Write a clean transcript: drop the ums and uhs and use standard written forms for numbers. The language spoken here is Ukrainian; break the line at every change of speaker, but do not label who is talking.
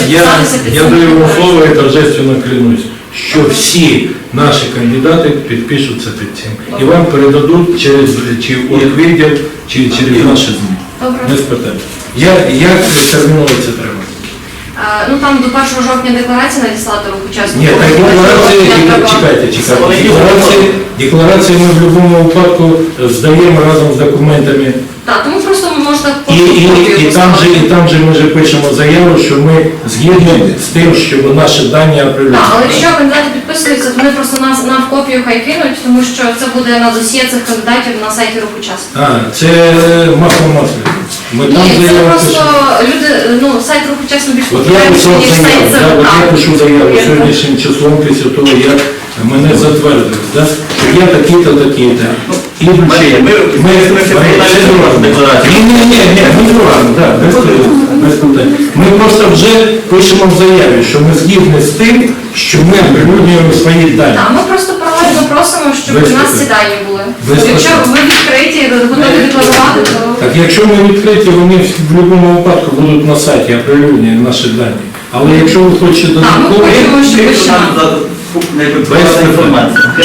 підписатися під
Я
цим
даю вам
деклараціям.
слово і торжественно клянусь, що всі наші кандидати підпишуться під цим. І вам передадуть через чи відділ, чи через наші ЗМІ.
Добре.
Без питань. Як терміново це треба?
Ну там до 1 жовтня декларації надіслати рух учасників.
Ні, так чекайте. Декларації ми в будь-якому випадку здаємо разом з документами.
Так, тому просто можна
І там же ми вже пишемо заяву, що ми згідні з тим, щоб наші дані оприлюднили.
Так, але якщо кандидати підписуються, то вони просто нам в копію хай кинуть, тому що це буде на досьє цих кандидатів на сайті рух учасників.
Це масло. Ми там
Ні, це
заяву
просто
пишемо.
люди, сайт рух учасників більш
От я писав
ніж сайт
заяву,
ЦВК.
я пишу заяву сьогоднішнім числом після того, як мене затвердили, що я такий-то, такий-то. І вручення. Ми просто вже пишемо в заяві, що ми згідні з тим, що ми оприлюднюємо свої дані.
Так, ми просто паралельно просимо, щоб
Без
у нас
питань.
ці дані були.
Без
Якщо
питань.
ви відкриті, готові декларувати, то...
Так якщо ми відкриті, вони в будь-якому випадку будуть на сайті оприлюднені наші дані. Але якщо ви хочете
Так, ми
додатково,
хочемо, щоб ви ще...
Без інформації.